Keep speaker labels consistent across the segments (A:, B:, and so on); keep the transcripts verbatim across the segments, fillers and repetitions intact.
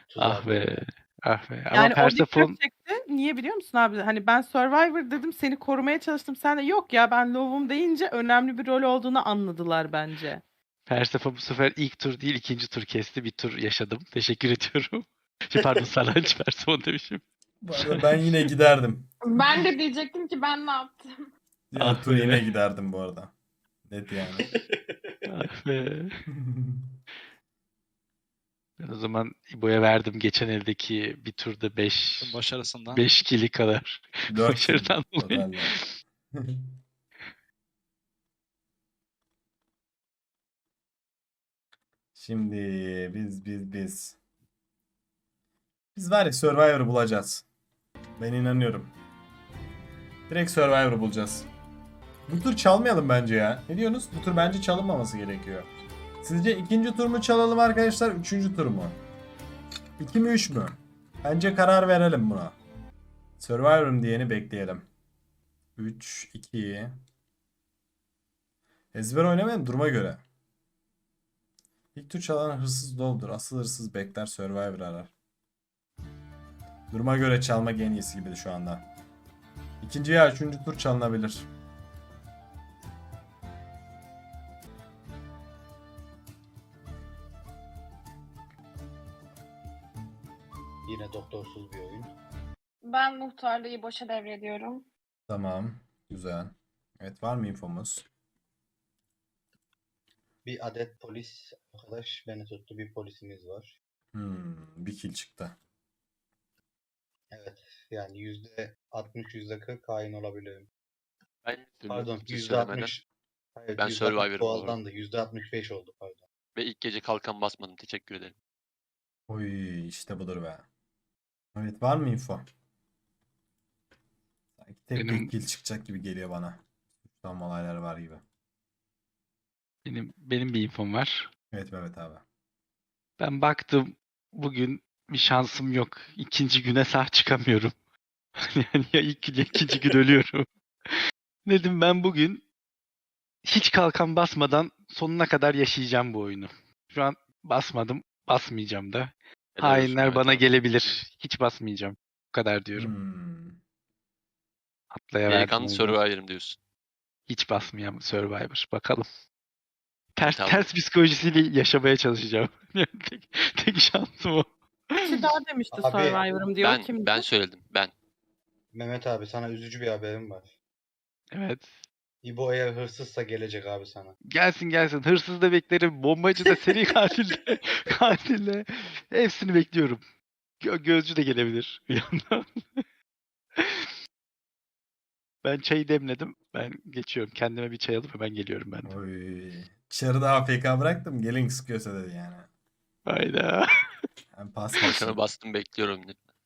A: Ah
B: Tuzağa
A: be.
B: doğru.
A: Ah be. Ama
C: Yani o dikkat
A: Persephone
C: çekti. Niye biliyor musun abi? Hani ben Survivor dedim, seni korumaya çalıştım. Sen de yok ya ben Low'um deyince önemli bir rol olduğunu anladılar bence.
A: Persephone bu sefer ilk tur değil ikinci tur kesti. Bir tur yaşadım. Teşekkür ediyorum. Şey, pardon Saranç Persephone demişim.
D: Bu arada ben yine giderdim.
E: Ben de diyecektim ki ben ne yaptım?
D: Diğer
A: Ah
D: tur
A: be.
D: yine giderdim bu arada. Net yani.
A: Ah be. Ben o zaman İbo'ya verdim geçen eldeki bir turda beş
F: Başarısından.
A: beş kili kadar.
D: dört kill
A: Başarıdan dolayı.
D: totalde. Şimdi biz biz biz. Biz var ya Survivor'ı bulacağız. Ben inanıyorum. Direkt Survivor'ı bulacağız. Bu tur çalmayalım bence ya. Ne diyorsunuz? Bu tur bence çalınmaması gerekiyor. Sizce ikinci tur mu çalalım arkadaşlar? Üçüncü tur mu? İki mi üç mü? Bence karar verelim buna. Survivor'ım diyeni bekleyelim. üç, iki. Ezber oynamayalım duruma göre. İlk tur çalan hırsız doldur. Asıl hırsız bekler Survivor arar. Duruma göre çalmak en iyisi gibi şu anda. İkinci ya üçüncü tur çalınabilir.
B: Yine doktorsuz bir oyun.
E: Ben muhtarlığı boşa devrediyorum.
D: Tamam. Güzel. Evet var mı infomuz?
B: Bir adet polis arkadaş beni tuttu. Bir polisimiz var.
D: Hmm, bir kill çıktı.
B: Evet. Yani yüzde altmış yüzde kırk hain olabilirim.
G: Ben
B: Pardon
G: siz
B: yüzde
G: söylemeden
B: altmış. Hayır,
G: Ben
B: yüzde altmış
G: Survivor'ım bu arada.
B: doğaldandı. yüzde altmış beş oldu pardon.
G: ve ilk gece kalkan basmadım. Teşekkür ederim.
D: Oy işte budur be. Evet var mı info? Sanki tek
A: Benim-
D: tek kill çıkacak gibi geliyor bana. Tam olaylar var gibi.
A: Benim benim bir infom var.
D: Evet Mehmet abi.
A: Ben baktım bugün bir şansım yok. İkinci güne sağ çıkamıyorum. Yani ya ilk gün ya ikinci gün ölüyorum. Dedim ben bugün hiç kalkan basmadan sonuna kadar yaşayacağım bu oyunu. Şu an basmadım, basmayacağım da.
G: Helal olsun
A: Hainler
G: Mehmet
A: bana
G: abi.
A: gelebilir. Hiç basmayacağım. Bu kadar diyorum.
D: Hmm.
A: Atlaya verdim
G: Delikanlı
A: oyunu.
G: Survivor'ım diyorsun.
A: Hiç basmayacağım Survivor. Bakalım. Ters
G: Tamam.
A: ters psikolojisiyle yaşamaya çalışacağım. Yani tek, tek şansım o.
C: Kişi daha demişti
B: Abi,
C: Survivor'ım diyor.
G: Ben
C: Kimdi?
G: ben söyledim. Ben.
B: Mehmet abi sana üzücü bir haberim var.
A: Evet.
B: İbo eğer hırsızsa gelecek abi sana.
A: Gelsin gelsin. Hırsız da beklerim. Bombacı da, seri katil de, katil de. Hepsini bekliyorum. Gö- gözcü de gelebilir bir yandan. Ben çayı demledim. Ben geçiyorum. Kendime bir çay alıp hemen geliyorum ben de.
D: Oy. Dışarıda A F K bıraktım. Gelin sıkıyorsa dedi yani.
A: Hayda.
D: Hem pas
G: Kalkanı
D: geçtim.
G: bastım bekliyorum.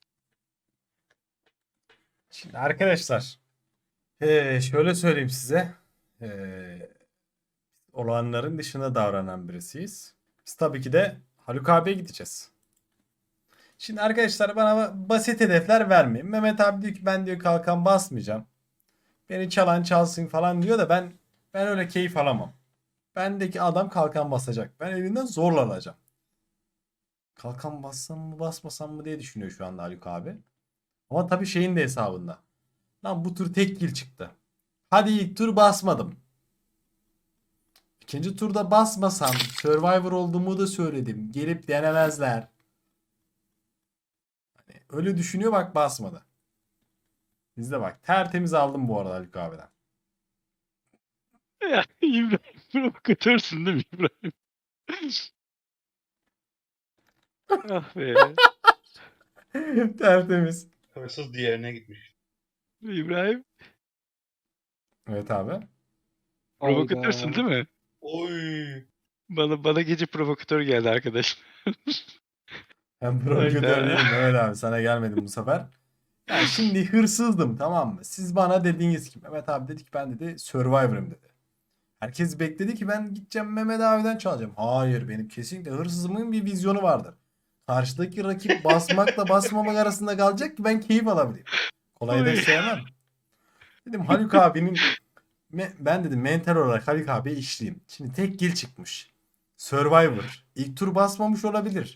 D: Şimdi arkadaşlar. eee, şöyle söyleyeyim size. Eee olanların dışında davranan birisiyiz. Biz tabii ki de Haluk abiye gideceğiz. Şimdi arkadaşlar bana basit hedefler vermeyin. Mehmet abi diyor ki ben diyor kalkan basmayacağım. Beni çalan çalsın falan diyor da ben ben öyle keyif alamam. Bendeki adam kalkan basacak. Ben elinden zorla alacağım. Kalkan bassam mı basmasam mı diye düşünüyor şu anda Haluk abi. Ama tabii şeyin de hesabında. Lan bu tur tek kill çıktı. Hadi ilk tur basmadım. İkinci turda basmasam Survivor olduğumu da söyledim. Gelip denemezler. Hani öyle düşünüyor bak basmadı. Biz de bak tertemiz aldım bu arada Haluk abiden.
A: Ya İbrahim provokatörsün değil mi İbrahim? Ah be.
D: Tertemiz.
B: Hırsız diğerine gitmiş.
A: İbrahim
D: Evet abi.
A: provokatörsün değil mi?
B: Oy.
A: Bana bana gece provokatör geldi arkadaş.
D: Ben provokatör
A: Hayda.
D: değilim Mehmet abi sana gelmedim bu sefer. Yani şimdi hırsızdım tamam mı? Siz bana dediğiniz ki Mehmet abi dedi ki ben dedi Survivor'ım dedi. Herkes bekledi ki ben gideceğim Mehmet abiden çalacağım. Hayır benim kesinlikle hırsızımın bir vizyonu vardır. Karşıdaki rakip basmakla basmamak arasında kalacak ki ben keyif alabileyim. Kolay
A: Oy.
D: hedef sevmem. Dedim Haluk abinin me- ben dedim mental olarak Haluk abiye işleyeyim. Şimdi tek kill çıkmış. Survivor. İlk tur basmamış olabilir.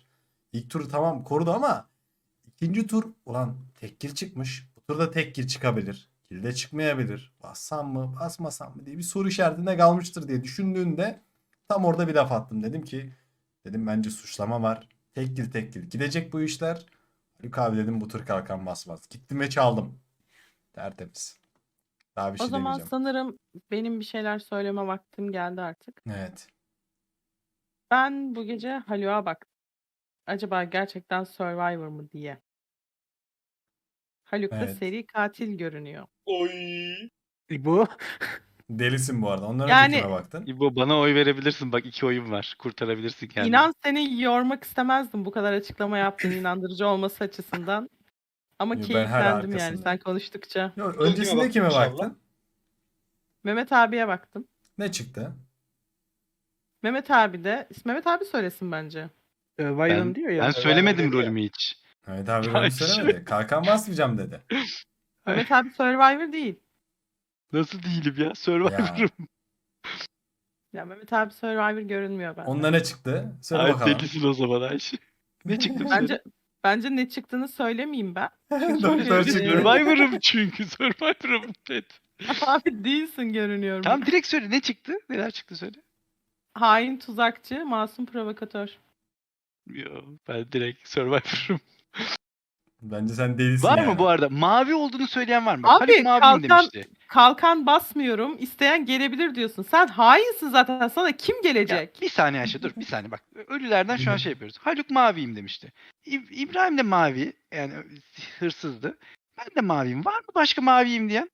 D: İlk turu tamam korudu ama ikinci tur ulan tek kill çıkmış. Bu turda tek kill çıkabilir. Kill de çıkmayabilir. Bassam mı basmasam mı diye bir soru işaretinde kalmıştır diye düşündüğünde tam orada bir laf attım. Dedim ki dedim bence suçlama var. Tek kill tek kill gidecek bu işler. Haluk abi dedim bu tur kalkan basmaz. Gittim ve çaldım. Tertemiz. Daha bir
C: O
D: şey
C: zaman
D: demeyeceğim.
C: sanırım benim bir şeyler söyleme vaktim geldi artık.
D: Evet.
C: Ben bu gece Haluk'a baktım. Acaba gerçekten Survivor mı diye. Haluk da
D: Evet.
C: seri katil görünüyor.
B: Oy.
F: Bu
D: Delisin bu arada. Ondan
C: Yani-
D: önce kime baktın?
A: İbo bana oy verebilirsin. Bak iki oyun var. Kurtarabilirsin kendini.
C: İnan seni yormak istemezdim bu kadar açıklama yaptığın inandırıcı olması açısından. Ama
D: Yo, ben her
C: keyiflendim yani
D: arkasındayım.
C: sen konuştukça.
D: Yo,
B: kime
D: öncesinde
B: baktın
D: kime
B: inşallah?
D: baktın?
C: Mehmet abiye baktım.
D: Ne çıktı?
C: Mehmet abi de Mehmet abi söylesin bence.
F: Survivor'ım
A: Ben,
F: diyor ya.
A: ben söylemedim
B: dedi ya.
A: rolümü hiç.
D: Evet abi
A: Ya
D: rolü
A: işte.
D: söylemedi. Kalkan basmayacağım dedi.
C: Mehmet abi Survivor değil.
A: Nasıl değilim ya? Survivor'ım.
C: Ya Mehmet abi Survivor görünmüyor bende.
D: Onda ne çıktı? Söyle
A: Ay
D: bakalım.
A: delisin o zaman Ayşe. Ne çıktı söyle.
C: Bence bence ne çıktığını söylemeyeyim ben.
D: Doktor
C: Çünkü-
D: çıktı.
A: Survivor'ım çünkü. Survivor'ım Ted.
C: Abi değilsin görünüyorum.
A: Tamam direkt söyle. Ne çıktı? Neler çıktı söyle.
C: Hain tuzakçı, masum provokatör.
A: Yo, ben direkt Survivor'ım.
D: Bence sen delisin
A: Var
D: yani.
A: mı bu arada? Mavi olduğunu söyleyen var mı?
C: Abi,
A: Haluk maviyim
C: kalkan-
A: demişti.
C: Kalkan basmıyorum. İsteyen gelebilir diyorsun. Sen hainsin zaten. Sana kim
A: Ya,
C: gelecek?
A: bir saniye Ayşe dur bir saniye bak. Ölülerden şu an şey yapıyoruz. Haluk maviyim demişti. İb- İbrahim de mavi. Yani hırsızdı. Ben de maviyim. Var mı başka maviyim diyen?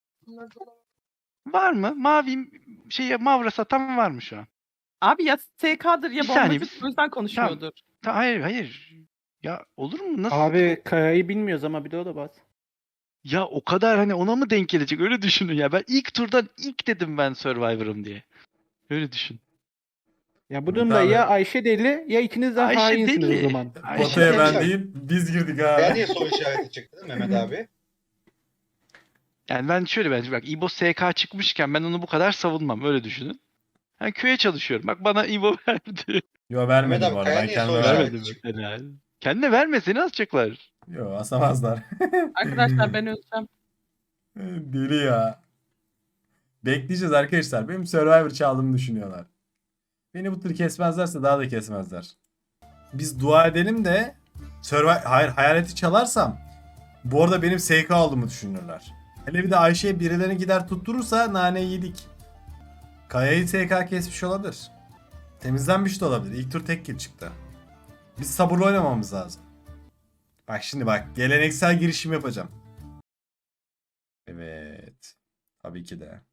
A: Var mı? Maviyim şeye mavra satan var mı şu an?
C: Abi ya S K'dır ya
A: Bir saniye,
C: bombacı
A: bir-
C: o yüzden konuşmuyordur.
A: Ta- hayır hayır. Ya olur mu? Nasıl?
F: Abi Kaya'yı bilmiyoruz ama bir de o da bas.
A: Ya o kadar hani ona mı denk gelecek? Öyle düşünün ya. Ben ilk turdan ilk dedim ben Survivor'ım diye. Öyle düşün.
F: Ya bu
D: Evet
F: durumda
D: abi.
F: ya Ayşe deli ya ikiniz de
A: Ayşe
F: hainsiniz
A: deli.
F: o zaman.
A: Ayşe
D: Potaya
A: deli.
D: ben değil biz girdik ha.
B: Ben niye soru işareti çıktı Mehmet abi?
A: Yani ben şöyle bence bak İbo S K çıkmışken ben onu bu kadar savunmam. Öyle düşünün. Ben köye çalışıyorum. Bak bana İbo verdi.
D: Yo vermedi
B: Mehmet abi,
D: bu arada.
B: Kaya
D: Ben
B: niye
D: kendime
B: soru
D: vermedim.
A: Vermedi
B: çıktı.
A: mesela. Kendine verme seni asacaklar.
D: Yo asamazlar.
C: Arkadaşlar ben öleceğim.
D: Deli ya. Bekleyeceğiz arkadaşlar. Benim Survivor çaldığımı düşünüyorlar. Beni bu tür kesmezlerse daha da kesmezler. Biz dua edelim de Survivor... Hayır hayaleti çalarsam bu arada benim S K aldığımı düşünürler. Hele bir de Ayşe'ye birilerini gider tutturursa nane yedik. Kaya'yı S K kesmiş olabilir. Temizlenmiş de olabilir. İlk tur tek kill çıktı. Biz sabırlı oynamamız lazım. Bak şimdi bak geleneksel girişim yapacağım. Evet. Tabii ki de.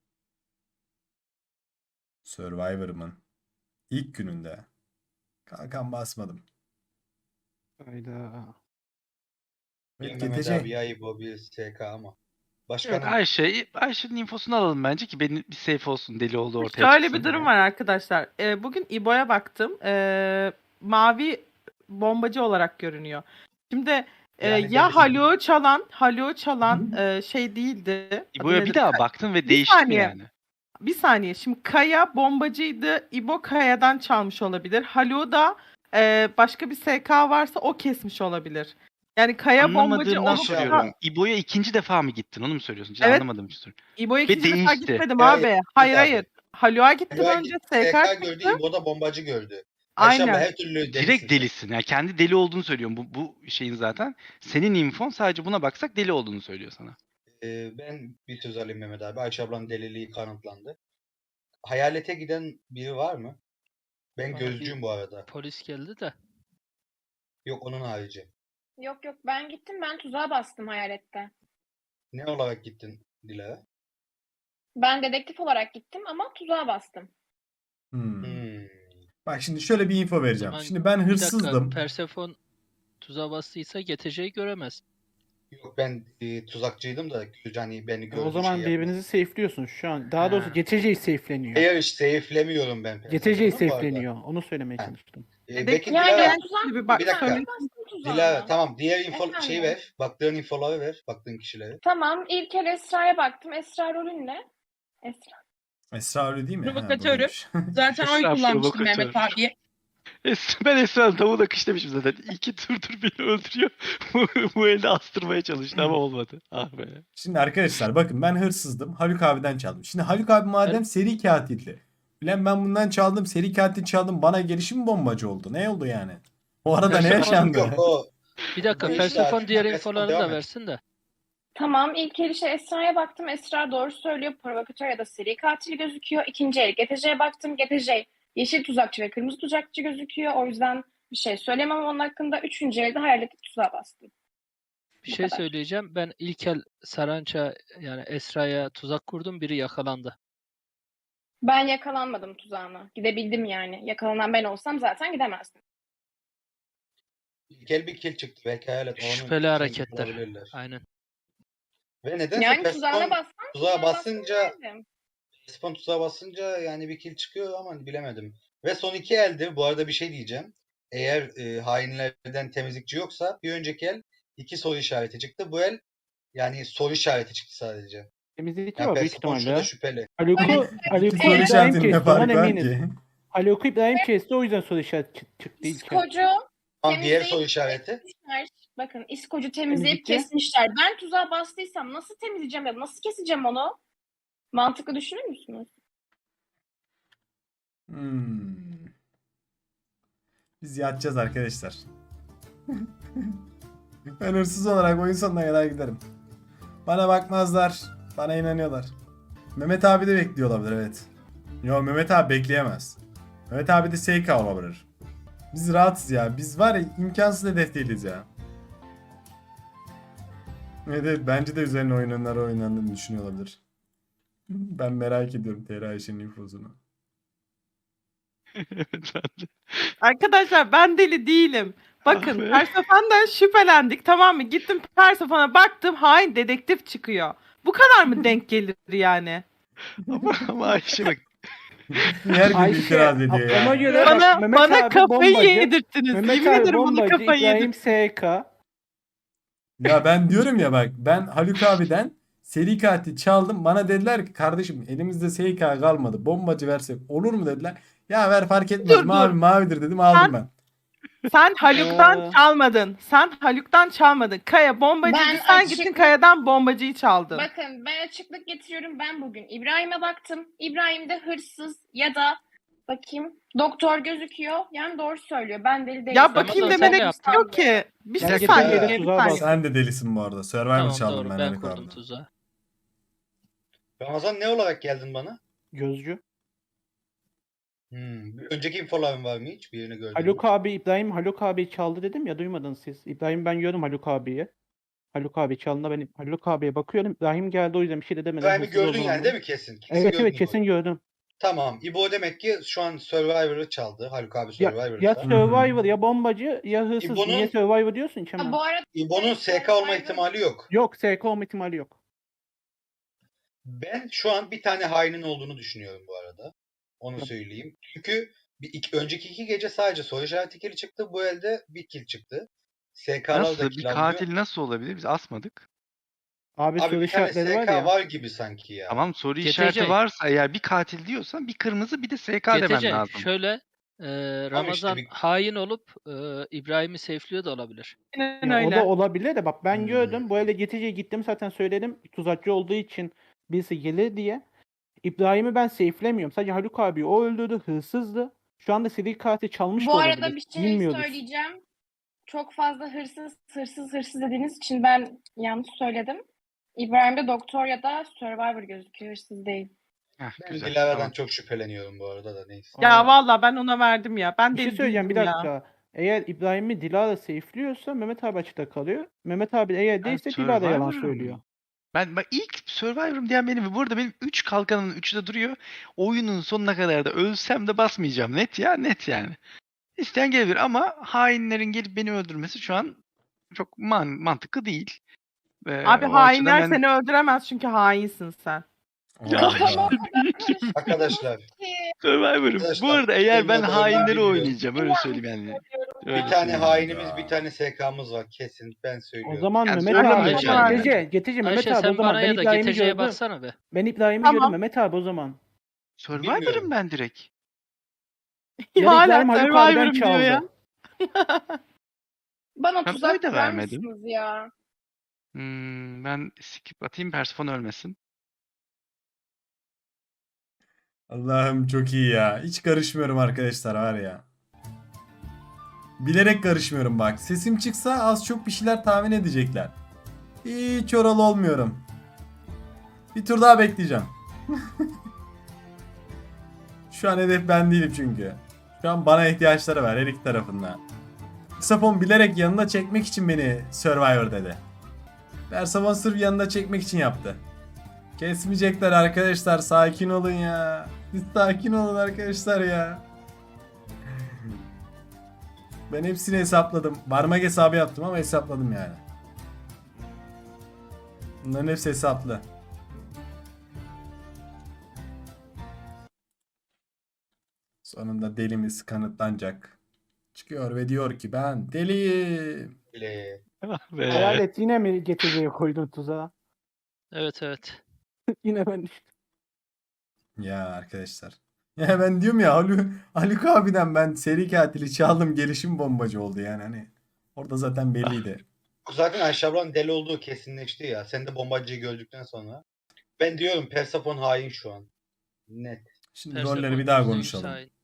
D: Survivor'ımın ilk gününde kalkan basmadım.
F: Hayda.
B: Ya
D: Evet,
B: Mehmet
D: G T C.
B: abi ya İbo bir S K ama.
A: Evet
B: Başkanım
A: Ayşe, Ayşe'nin infosunu alalım bence ki benim bir safe olsun deli oldu ortaya
C: Şöyle
A: çıksın.
C: bir durum var arkadaşlar. Ee, bugün İbo'ya baktım. Ee, mavi bombacı olarak görünüyor. Şimdi e,
B: Yani
C: ya
B: delisin.
C: Haluk'u çalan, Haluk'u çalan e, şey değildi.
A: İbo'ya
C: Adı
A: bir
C: nedir?
A: daha baktın ve
C: Bir
A: değişti mi
C: saniye.
A: yani?
C: Bir saniye. Şimdi Kaya bombacıydı. İbo Kaya'dan çalmış olabilir. Haluk'u da e, başka bir S K varsa o kesmiş olabilir. Yani Kaya bombacı
A: Anlamadığımdan
C: olup
B: soruyorum.
C: da
A: soruyorum. İbo'ya ikinci defa mı gittin onu mu söylüyorsun? Hiç
C: Evet.
A: anlamadım işte.
C: İbo'ya
A: Ve
C: ikinci defa
A: değişti.
C: gitmedim
B: Evet,
C: abi. Hayır
B: abi.
C: hayır. Haluk'a gittim
B: Haluk'a
C: önce
B: gitti,
C: S K
B: S K
C: çıktı.
B: gördü, İbo da bombacı gördü. Ayşe abla
C: Aynen.
B: her türlü delisin.
A: Direkt
B: sen.
A: delisin. Yani kendi deli olduğunu söylüyorum. Bu, bu şeyin zaten. Senin infon sadece buna baksak deli olduğunu söylüyor sana.
B: Ee, ben bir söz alayım Mehmet abi. Ayşe ablanın deliliği kanıtlandı. Hayalete giden biri var mı? Ben
H: Abi,
B: gözcüyüm bu arada.
H: Polis geldi de.
B: Yok onun harici.
E: Yok yok ben gittim ben tuzağa bastım hayalette.
B: Ne olarak gittin Dilara?
E: Ben dedektif olarak gittim ama tuzağa bastım.
D: Hmm.
B: Hmm.
D: Bak şimdi şöyle bir info vereceğim.
H: Zaman-
D: Şimdi ben
H: Bir dakika,
D: hırsızdım.
H: Persefon tuzağa bastıysa G T C'yi göremez.
B: Yok ben e, tuzakçıydım da hani beni gördü.
F: O zaman
B: şey yaptı.
F: birbirinizi safe'liyorsun şu an. Daha doğrusu
H: Ha.
F: G T C'yi safe'leniyor.
B: Hayır işte safe'lemiyorum ben.
F: G T C'yi
B: Persefonu bu arada.
F: safe'leniyor. Onu söylemeye
B: Ha.
F: çalıştım.
B: Ee,
C: Dedektif
B: Peki
E: Yani
B: Dilara,
E: ben tuzak
C: gibi bak
B: bir dakika.
C: söyle.
E: bastım tuzağa.
B: Dilara tamam diğer info
E: Efendim?
B: şeyi ver. Baktığın infoları ver. Baktığın kişileri.
E: Tamam ilk kere Esra'ya baktım. Esra rolün ne? Esra.
D: Esra öyle değil mi? Ha,
I: Provokatörüm.
D: buradaymış.
I: Zaten oy
A: Esra
I: kullanmıştım
A: provokatör.
I: Mehmet abiye.
A: Es- Ben Esra'nın tavuğuna kış demişim zaten. İki turdur beni öldürüyor. bu, bu elde astırmaya çalıştı ama olmadı. Ah be.
D: Şimdi arkadaşlar bakın ben hırsızdım. Haluk abiden çaldım. Şimdi Haluk abi madem
H: Evet.
D: seri katildi. Ulan ben bundan çaldım. Seri katil çaldım. Bana gelişim bombacı oldu. Ne oldu yani? O arada ne
H: Yaşamadım.
D: yaşandı?
B: Yok o
H: Bir dakika
B: Bu
H: Felsefon
B: işler-
H: diğer
B: Felsefon
H: infolarını
B: devam
H: da
B: et.
H: versin de.
E: Tamam, ilk el işe Esra'ya baktım. Esra doğru söylüyor. Provokatör ya da seri katil gözüküyor. İkinci el G T C'ye baktım. G T C yeşil tuzakçı ve kırmızı tuzakçı gözüküyor. O yüzden bir şey söylemem onun hakkında. Üçüncü elde hayaleti tuzağa bastım.
H: Bir
E: Bu
H: şey
E: kadar.
H: söyleyeceğim. Ben ilk el Saranç'a yani Esra'ya tuzak kurdum. Biri yakalandı.
E: Ben yakalanmadım tuzağına. Gidebildim yani. Yakalanan ben olsam zaten gidemezdim.
B: ilk el bir kill çıktı. Belki hayalet. onun
H: Şüpheli
B: için
H: hareketler.
B: olabilirler.
H: Aynen.
B: Ve nedense
E: Yani
B: Persephone
E: tuzağına bassam
B: tuzağa
E: tuzağına
B: basınca
E: basardım.
B: Persephone tuzağa basınca yani bir kill çıkıyor ama bilemedim. Ve son iki elde bu arada bir şey diyeceğim. Eğer e, hainlerden temizlikçi yoksa bir önceki el iki soru işareti çıktı. Bu el yani soru işareti çıktı sadece.
F: Temizlikçi
B: Yani
F: var büyük
B: Persephone
F: ihtimalle.
B: şurada şüpheli.
F: Haluk'u
D: İki
F: Haluk'u
D: soru
F: İbrahim
D: işaretinin ne
F: kesti ondan
D: farkı var
F: eminiz.
D: ki?
F: Haluk'u İbrahim kesti o yüzden soru işareti çık- çıktı ilk el.
E: İskocu
B: Tamam diğer
E: temizleyip
B: soru işareti.
E: kesmişler. Bakın İskocu temizleyip
F: Temizlikçi.
E: kesmişler. Ben tuzağa bastıysam nasıl temizleyeceğim ya da nasıl keseceğim onu? Mantıklı düşünür müsünüz?
D: Hmm. Biz yatacağız arkadaşlar. Ben hırsız olarak oyun sonuna kadar giderim. Bana bakmazlar. Bana inanıyorlar. Mehmet abi de bekliyor olabilir evet. Yo Mehmet abi bekleyemez. Mehmet abi de S K olabilir. Biz rahatız ya. Biz var ya imkansız hedef değiliz ya. Evet, evet bence de üzerine oynananlar oynandığını düşünüyor olabilir. Ben merak ediyorum T R Ayşe'nin infosunu.
A: Evet ben de.
C: Arkadaşlar ben deli değilim. Bakın
A: Ah be.
C: Persephone'dan şüphelendik tamam mı? Gittim Persephone'a baktım hain dedektif çıkıyor. Bu kadar mı denk gelir yani?
A: ama, ama Ayşe bak.
D: Her gün
F: Ayşe
D: itiraz ediyor ya.
F: ona göre
C: Bana,
F: bak Mehmet
C: bana
F: abi
C: kafayı
F: bombacı.
C: yedirttiniz.
F: Mehmet
C: Yemin
F: abi
C: ederim bana
F: bombacı,
C: kafayı
F: İbrahim
C: yedirttiniz.
F: S K.
D: Ya ben diyorum ya bak ben Haluk abiden seri katil çaldım. Bana dediler ki kardeşim elimizde S K kalmadı. Bombacı versek olur mu dediler. Ya ver fark etmez.
C: Dur,
D: mavi
C: dur.
D: mavidir dedim aldım
C: Sen-
D: ben.
C: Sen Haluk'tan
F: Ee.
C: çalmadın. Sen Haluk'tan çalmadın. Kaya bombacıydı.
E: Ben
C: Sen
E: açık-
C: gittin Kaya'dan bombacıyı çaldın.
E: Bakın ben açıklık getiriyorum. Ben bugün İbrahim'e baktım. İbrahim'de hırsız ya da bakayım doktor gözüküyor. Yani doğru söylüyor. Ben deli değilim.
C: Ya bakayım
H: Ramazan,
C: demene
H: sen ne
C: gerek yok ki. Bir
F: Ben
C: şey
F: geçen
C: saniye.
B: yere
C: bir
F: tuzağa
C: saniye.
F: bastım.
D: Sen de delisin bu arada. Survivor
H: Tamam
D: çaldım
H: doğru
D: ben
H: ben
D: Haluk
H: kurdum
D: abiden.
H: tuzağı.
B: Ramazan ne olarak geldin bana?
F: Gözcü.
B: Hmm. bir Önceki infoların var mı hiç? Birini gördün mü?
F: Haluk abi İbrahim Haluk abi çaldı dedim ya duymadınız siz. İbrahim ben gördüm Haluk abiyi. Haluk abi çaldığında ben Haluk abiye bakıyorum. İbrahim geldi o yüzden bir şey de demedim.
B: İbrahim'i
F: Hırsız o
B: gördün
F: zaman
B: yani
F: dedim.
B: değil mi kesin? Kesin
F: Evet
B: gördün
F: evet kesin
B: İbo'yu.
F: gördüm.
B: Tamam. İbo demek ki şu an Survivor'ı çaldı. Haluk abi
F: Ya,
B: Survivor'ı
F: ya
B: çaldı.
F: Survivor ya bombacı ya hırsız.
B: İbo'nun-
F: Niye Survivor diyorsun ki
E: Ha,
F: hemen?
E: bu arada
B: İbo'nun S K olma ihtimali yok.
F: Yok S K olma ihtimali yok.
B: Ben şu an bir tane hainin olduğunu düşünüyorum bu arada. Onu
F: Tabii.
B: söyleyeyim. Çünkü bir, iki, önceki iki gece sadece soru işareti kill çıktı. Bu elde bir kill çıktı. S K'lar da
A: Nasıl?
B: kill
A: Bir
B: alıyor.
A: katil nasıl olabilir? Biz asmadık.
F: Abi,
B: Abi
F: soru
B: bir tane
F: işaretleri var
B: S K
F: ya.
B: var gibi sanki ya.
A: Tamam soru
H: G T C.
A: işareti varsa eğer bir katil diyorsan bir kırmızı bir de S K demen
H: G T C
A: lazım.
H: şöyle e, Ramazan
B: bir-
H: hain olup e, İbrahim'i safe'liyor da olabilir.
C: Aynen
F: Ya o
C: öyle.
F: da olabilir de bak ben
B: Hmm.
F: gördüm. Bu elde G T C'ye gittim zaten söyledim. Tuzakçı olduğu için birisi gelir diye. İbrahim'i ben safe'lemiyorum. Sadece Haluk abi o öldürdü. Hırsızdı. Şu anda seri katil çalmış da
E: bu
F: olabilir.
E: arada bir şey
F: Bilmiyoruz.
E: söyleyeceğim. Çok fazla hırsız hırsız hırsız dediğiniz için ben yanlış söyledim. İbrahim'de doktor ya da Survivor gözüküyor. Hırsız değil.
A: Heh,
B: Ben
A: güzel.
B: Dilara'dan
A: Tamam.
B: çok şüpheleniyorum bu arada da neyse.
C: Ya valla ben ona verdim ya. Ben
F: Bir
C: deli
F: şey söyleyeceğim bir
C: değildim ya.
F: dakika. Eğer İbrahim'i Dilara safe'liyorsa Mehmet abi açıkta kalıyor. Mehmet abi eğer
A: Ben
F: değilse Dilara yalan
A: Survivor'ım.
F: söylüyor.
A: Ben bak ilk Survivor'ım diyen benim. Bu arada benim üç kalkanımın üçü de duruyor. Oyunun sonuna kadar da ölsem de basmayacağım. Net ya net yani. İsteyen gelebilir ama hainlerin gelip beni öldürmesi şu an çok man mantıklı değil. Ve
C: Abi
A: o
C: hainler
A: açıdan ben-
C: seni öldüremez çünkü hainsin sen.
D: Allah.
B: Arkadaşlar
A: Survivor'ım. Bu
B: Arkadaşlar,
A: arada eğer ben
B: benim adamı
A: hainleri
B: bilmiyorum.
A: oynayacağım. Öyle söyleyeyim yani. Öyle
B: bir tane
A: söyleyeyim.
B: hainimiz
D: ya.
B: bir tane S K'mız var kesin ben
F: O
B: söylüyorum.
F: zaman
A: Yani
F: Mehmet
A: söyle
F: abi.
H: Ayşe.
F: G T C, G T C Mehmet
H: Ayşe
F: abi o
H: sen
F: zaman
H: bana
F: ben
H: ya da
F: İbrahim'i
H: G T C'ye
F: gördüm.
H: baksana be.
F: Ben İbrahim'i
C: Tamam.
F: gördüm Mehmet abi o zaman.
A: Survivor'ım
B: Bilmiyorum.
A: ben direkt.
F: Ya
C: Hala
F: İbrahim Haluk abiden
C: Survivor'ım diyor ya.
F: çaldı.
E: Bana
A: Ben
E: tuzak
A: oy da
E: kurar
A: vermedim.
E: mısınız ya?
A: Hmm, ben skip atayım Persefone ölmesin.
D: Allah'ım çok iyi ya. Hiç karışmıyorum arkadaşlar var ya. Bilerek karışmıyorum bak. Sesim çıksa az çok bir şeyler tahmin edecekler. Hiç oralı olmuyorum. Bir tur daha bekleyeceğim. Şu an hedef ben değilim çünkü. Şu an bana ihtiyaçları var her iki tarafından. Persefone bilerek yanına çekmek için beni Survivor dedi. Persefone sırf yanına çekmek için yaptı. Kesmeyecekler arkadaşlar, sakin olun ya. Siz sakin olun arkadaşlar ya. Ben hepsini hesapladım. Parmak hesabı yaptım ama hesapladım yani. Bunların hepsi hesaplı. Sonunda delimiz kanıtlanacak. Çıkıyor ve diyor ki ben deliyim.
B: Bile.
A: Ve
F: Hayalet yine mi getireceği koydun tuzağa?
H: Evet evet.
F: Yine ben düştüm.
D: Ya arkadaşlar. Ya ben diyorum ya Haluk, Haluk abiden ben seri katili çaldım, gelişim bombacı oldu yani hani. Orada zaten belliydi.
B: Zaten Ayşe ablanın deli olduğu kesinleşti ya. Sen de bombacıyı gördükten sonra. Ben diyorum Persefone hain şu an. Net.
D: Şimdi
H: Persefone
D: rolleri bir daha
H: yüzde yüz
D: konuşalım.
H: hain.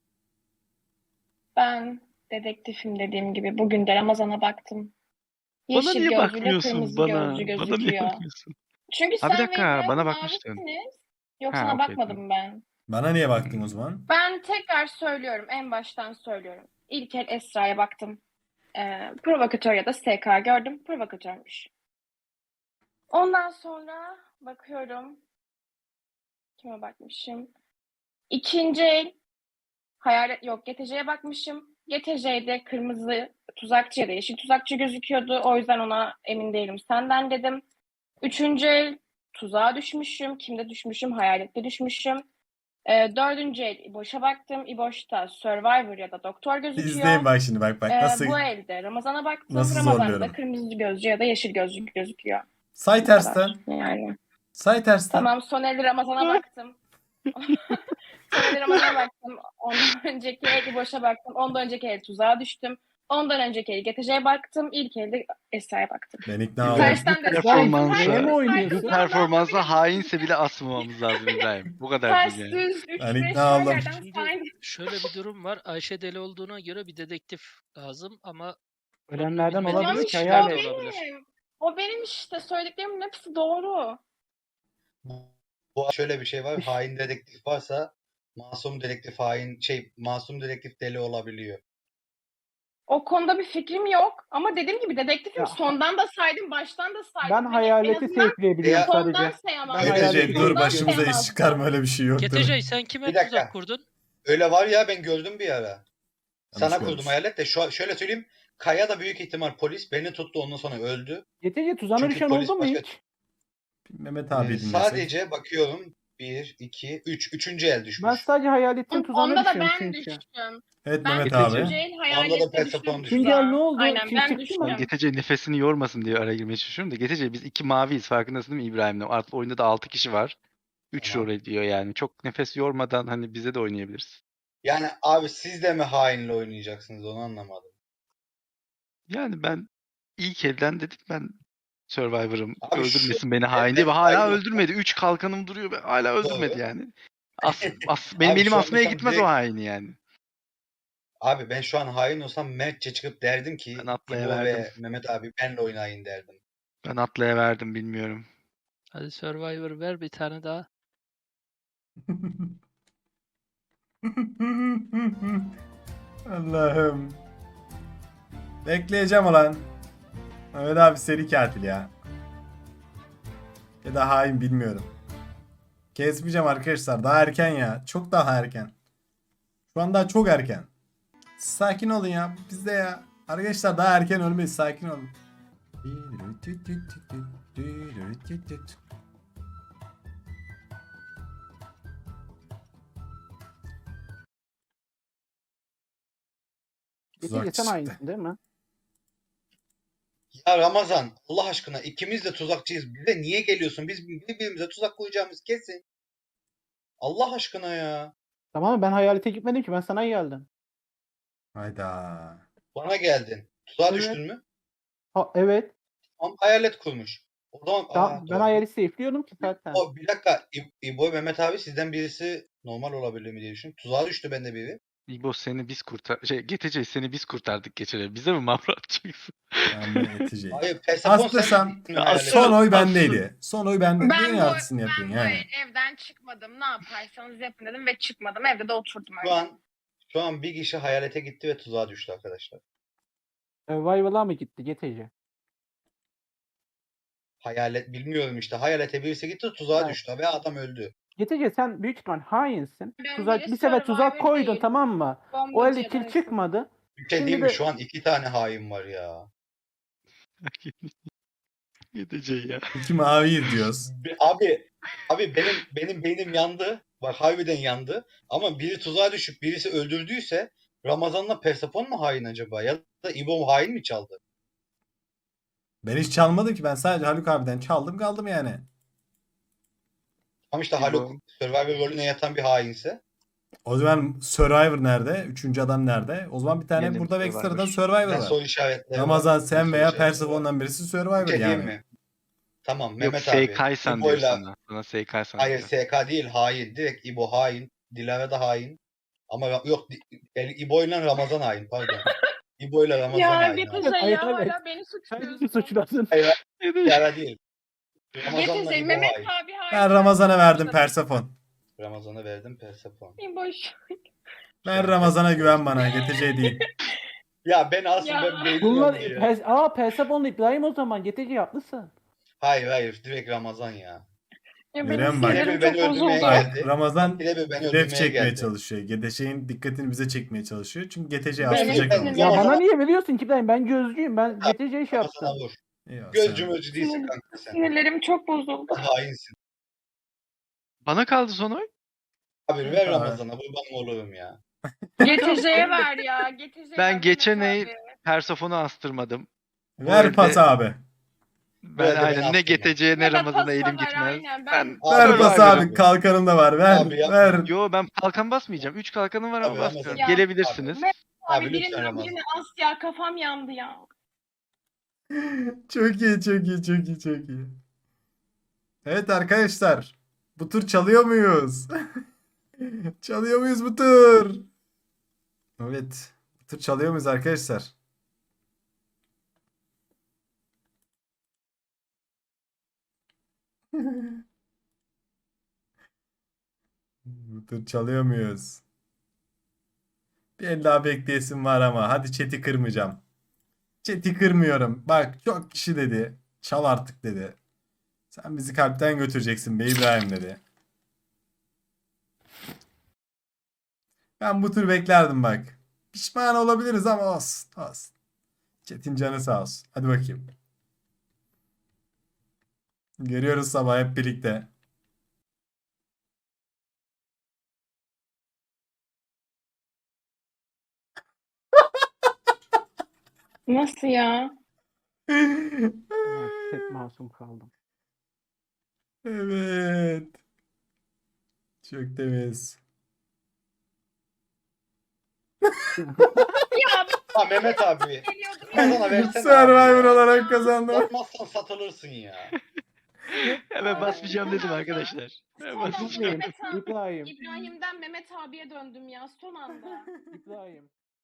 E: Ben dedektifim dediğim gibi. Bugün de Ramazan'a baktım.
A: bana
E: Yeşil
A: niye
E: gözlüyle
A: bakmıyorsun
E: kırmızı
A: bana?
E: gözlü
A: Bana niye
E: gözüküyor.
A: bakmıyorsun?
E: Çünkü
A: Ha bir
E: sen ve
A: dakika
E: İbrahim
A: bana bakmıştın.
E: mavisiniz. Yok
A: Ha
E: sana
A: okey
E: bakmadım
A: tamam.
E: ben.
D: Bana niye baktın o zaman?
E: Ben tekrar söylüyorum. En baştan söylüyorum. İlk el Esra'ya baktım. Ee, provokatör ya da S K gördüm. Provokatörmüş. Ondan sonra bakıyorum. Kime bakmışım? İkinci el hayalet yok. G T C'ye bakmışım. G T C'de kırmızı tuzakçı ya da yeşil tuzakçı gözüküyordu. O yüzden ona emin değilim. Senden dedim. Üçüncü el tuzağa düşmüşüm. Kimde düşmüşüm? Hayalette düşmüşüm. Ee, dördüncü el İboş'a baktım. İboş'ta Survivor ya da Doktor gözüküyor.
D: İzleyin bak şimdi bak bak
E: Ee,
D: nasıl
E: bu elde Ramazan'a baktım.
D: nasıl
E: Ramazan'da
D: zorluyorum.
E: kırmızı gözlü ya da yeşil gözlü gözüküyor.
D: say
E: Bu kadar.
D: tersten.
E: Yani.
D: Say tersten.
E: Tamam, son elde Ramazan'a baktım. Son elde Ramazan'a baktım. Ondan önceki el İboş'a baktım. Ondan önceki el tuzağa düştüm. Ondan önceki el G T C'ye baktım. İlk elde Esra'ya baktım.
D: Ben ikna oldum.
E: Tersten de
A: Performansa,
F: Neye mi
A: bu
F: oynuyorsun?
A: performansa hainse bile asmamamız lazım İbrahim. Bu kadar
E: Ters
A: değil yani.
E: düz üç
D: Ben
E: beş
D: ikna
E: her
D: oldum.
E: yerden
H: Şimdi
E: saydım.
H: şöyle bir durum var. Ayşe deli olduğuna göre bir dedektif lazım ama
F: Ölenlerden
H: Bilmediğimiz
E: Tamam
F: olabilir ki
E: işte
H: hayalet.
E: o
F: hayalet.
E: benim. O benim işte. Söylediklerimin hepsi doğru.
B: Bu şöyle bir şey var. Hain dedektif varsa masum dedektif hain şey masum dedektif deli olabiliyor.
E: O konuda bir fikrim yok. Ama dediğim gibi dedektifim.
F: Ya,
E: sondan da saydım, baştan da saydım.
F: Ben
E: Hani
F: hayaleti
E: en azından
F: safe'leyebiliyorum
B: Ya-
E: sondan
F: sadece.
E: sayamam.
F: Ben
D: G T C
F: hayaleti
D: dur
E: Sondan
D: başımıza iş
E: sayamazdım.
D: çıkarma, öyle bir şey yok.
H: G T C sen kime
B: Bir dakika.
H: tuzak kurdun?
B: Öyle var ya, ben gördüm bir ara. Sana
D: Yanlış
B: kurdum
D: görmüş.
B: hayalet de şu, şöyle söyleyeyim. Kaya da büyük ihtimal polis beni tuttu, ondan sonra öldü.
F: G T C tuzağına
B: Çünkü
F: düşen
B: polis
F: oldu mu
B: başka-
F: hiç?
D: Mehmet
B: Ee,
D: abi dinlersek.
B: sadece bakıyorum bir, iki, üç. Üçüncü el düşmüş.
F: Ben sadece hayaletin tuzağına
E: Onda da
F: düşüyorum
E: ben
F: çünkü.
E: düştüm.
D: Evet
E: Ben
D: Mehmet
A: Getece.
E: üçüncü
D: abi.
E: el
B: Onda da
E: hayalette
B: Persefone
E: düştüm.
B: düştü.
F: İkinci el ne oldu?
E: Aynen
F: Kim
E: ben
F: çıktı mı?
E: düştüm.
A: G T C nefesini yormasın diye araya girmeye çalışıyorum da G T C biz iki maviyiz, farkındasın değil mi İbrahim'le? Artık oyunda da altı kişi var. üç
B: Tamam.
A: rol ediyor yani. Çok nefes yormadan hani bize de oynayabiliriz.
B: Yani abi siz de mi hainle oynayacaksınız, onu anlamadım.
A: Yani ben ilk elden dedim ben Survivor'ım.
B: Abi şu-
A: Öldürmesin beni
B: ben-
A: hain diye.
B: ben
A: Ve hala
B: hain
A: öldürmedi. üç kalkanım duruyor ve hala öldürmedi
B: Doğru.
A: yani. As, as, benim
B: Abi
A: elim
B: şu an
A: asmaya
B: mesela
A: gitmez
B: direkt-
A: o haini yani.
B: Abi ben şu an hain olsam Mertçe çıkıp derdim ki
A: Ben
B: İbo
A: atlayıverdim.
B: ve Mehmet abi benle oynayın derdim.
A: Ben atlayıverdim bilmiyorum.
H: Hadi Survivor ver bir tane daha.
D: Allah'ım. Bekleyeceğim ulan. Mehmet abi seri katil ya. Ya da hain, bilmiyorum. Kesmeyeceğim arkadaşlar. Daha erken ya. Çok daha erken. Şu an daha çok erken. Sakin olun ya. Bizde ya. Arkadaşlar daha erken ölmeyiz. Sakin olun.
F: G T
D: Tuzak
F: C sen
D: çıktı.
F: aynısın değil mi?
B: Ya Ramazan, Allah aşkına ikimiz de tuzakçıyız. Bize niye geliyorsun? Biz birbirimize tuzak koyacağımız kesin. Allah aşkına ya.
F: Tamam ben hayalete gitmedim ki ben sana geldim.
D: Hayda.
B: Bana geldin. Tuzağa
F: Evet.
B: düştün mü?
F: Ha, evet.
B: Ama hayalet kurmuş. O zaman
F: Tamam,
B: aa,
F: ben
B: doğru.
F: hayaleti safe'liyordum ki zaten.
B: O bir dakika. İ- İbo Mehmet abi sizden birisi normal olabilir mi diye düşün. Tuzağa düştü bende biri.
A: İbo seni biz kurtar... Şey G T C seni biz kurtardık geçen. Bize mi mavra atacaksın?
D: Ben de Etice'yi.
B: Hayır Persefon sen
D: Aslırsam
B: miydin
A: Ya
B: hayalet?
D: son oy
A: Aslı-
D: bendeydi. Son oy bende.
E: Ben
D: Neyin
E: bu,
D: artısını
E: ben
D: yapıyorsun
E: bu
D: yani?
E: evden çıkmadım. Ne yaparsanız yapın dedim ve çıkmadım. Evde de oturdum
B: Şu
E: öyle.
B: an şu an bir kişi hayalete gitti ve tuzağa düştü arkadaşlar.
F: Survival'a mı gitti G T C?
B: Hayalet bilmiyorum işte. Hayalete birisi gitti tuzağa
F: Evet.
B: düştü ve adam öldü.
F: G T C sen büyük ihtimal hainsin.
E: Ben
F: Tuzak,
E: biri
F: bir sefer tuzak
E: Survivor
F: koydun
E: değil.
F: tamam mı? O
E: Bombacı
F: elde
E: ya da
F: kill
E: neyse.
F: çıkmadı.
B: Bir şey
F: Şimdi
B: değil mi?
F: de-
B: Şu an iki tane hain var ya.
A: G T C ya.
D: İki mavi diyoruz.
B: Be- Abi abi benim benim beynim yandı. Bak harbiden yandı. Ama biri tuzağa düşüp birisi öldürdüyse Ramazan'la Persefon mu hain acaba? Ya da İbo hain mi çaldı?
D: Ben hiç çalmadım ki. Ben sadece Haluk abiden çaldım kaldım yani.
B: Ama işte
A: İbo.
B: Haluk Survivor rolüne yatan bir hainse.
D: O zaman Survivor nerede? Üçüncü adam nerede? O zaman bir tane
A: Benim
D: burada
A: Survivor.
D: ekstradan Survivor
B: Ben
D: var.
B: soru işaretleri
D: Ramazan
B: var.
D: sen
B: Soru
D: veya
B: işaretleri var.
D: Persefon'dan birisi
B: Bir
D: Survivor
B: şey diyeyim
D: yani.
B: mi? Tamam
A: Yok
B: Mehmet abi.
A: Seykaysan diyor
B: İbo'yla
A: sana. Sana Seykaysan
B: hayır
A: diyor.
B: S K değil hain. Direkt İbo hain. Dilara da hain. Ama Ra- yok Di- yani İbo ile Ramazan hain pardon. İbo ile Ramazan
E: Ya
B: hain.
E: G T
B: abi.
E: C
F: Hayır,
E: ya
F: evet.
E: hala beni
F: Sen bizi
E: suçluyorsun.
F: suçladın.
B: Hayır
A: G T C.
B: Dilara değil.
E: G
B: Ramazan'la
E: T C
B: İbo
E: Mehmet
B: hain.
E: abi hain.
D: Ben Ramazan'a verdim Persefon.
B: Ramazan'a verdim Persefon.
E: İboş.
D: Ben Ramazan'a güven bana. G T C değil.
B: Ya ben aslında
E: Ya.
B: ben beynim
F: Bunlar
B: yandı ya.
F: pers Aa Persefon'la İbrahim o zaman G T C haklısın.
B: Hayır hayır direkt Ramazan ya.
E: Ya
D: Görüyor
E: benim
D: musun bak?
E: sinirlerim
B: Beni
E: çok
B: öldürmeye
E: bozuldu.
B: geldi.
D: Bak Ramazan
B: Bir de beni
D: ref
B: öldürmeye
D: çekmeye
B: geldi.
D: çalışıyor. G T C'nin dikkatini bize çekmeye çalışıyor. Çünkü G T C
E: Benim
D: asılacak
B: Ben-
E: sinirlerim-
F: Ya
B: Ramazan'a-
F: bana niye veriyorsun ki İbrahim? Ben gözcüyüm. Ben G T C'ye şey
B: Ramazan'a
F: yaptım.
B: vur.
D: Eyvah,
B: Gözcü
D: sen-
B: mözcü değilsin
E: Sinir-
B: kanka sen.
E: Sinirlerim çok bozuldu.
B: Hainsin.
A: Bana kaldı son oy.
B: Abi ver
D: Abi.
B: Ramazan'a kurbanım olurum ya.
E: G T C'ye ver ya. G T C'ye
A: Ben
E: ver
A: geçen
E: Mehmet
A: ay-
E: abi.
A: Persefon'u astırmadım. Bu
D: Ver
A: elde
D: pas abi.
A: Ben
B: elde beni
A: aynen ne
B: astırma.
A: G T C'ye ne
E: Ya da
A: Ramazan'a
E: pasta
A: elim
E: ver,
A: gitmez.
E: aynen.
A: Ben,
E: Ben-
B: Abi,
D: Ver
B: Survivor
D: pas
A: Survivor'ım.
D: abi. Kalkanım da var. Ver.
B: Abi yapma.
D: ver.
A: Yo ben kalkan basmayacağım. Üç kalkanım var ama
B: Abi,
A: basmıyorum.
B: Ramazan.
A: Gelebilirsiniz.
E: Abi,
B: Abi,
E: Abi
B: lütfen
E: birinden
B: Ramazan.
E: birine as ya kafam yandı ya.
D: Çok iyi, çok iyi, çok iyi, çok iyi. Evet arkadaşlar. Bu tur çalıyor muyuz? Çalıyor muyuz bu tur? Evet. Bu tur çalıyor muyuz arkadaşlar? Bu tur çalıyor muyuz? Bir el daha bekleyesim var ama. Hadi chat'i kırmayacağım. Chat'i kırmıyorum. Bak çok kişi dedi. Çal artık dedi. Sen bizi kalpten götüreceksin be İbrahim dedi. Ben bu tür beklerdim bak. Pişman olabiliriz ama olsun. Olsun. Chat'in canı sağ olsun. Hadi bakayım. Görüyoruz sabah hep birlikte.
E: Nasıl ya?
F: Hep masum kaldım.
D: Evet. Çok temiz.
E: Ya
B: Ha Mehmet abi.
E: biliyordum ya.
B: Ramazan'a versene
D: Survivor
B: abi ya.
D: olarak kazandım.
B: Yapmazsan satılırsın ya.
A: Ya ben basmayacağım dedim arkadaşlar. Ben
E: Son anda
A: basmayacağım.
E: Mehmet abi-
F: İbrahim.
E: İbrahim'den Mehmet abiye döndüm ya son anda.
F: İbrahim.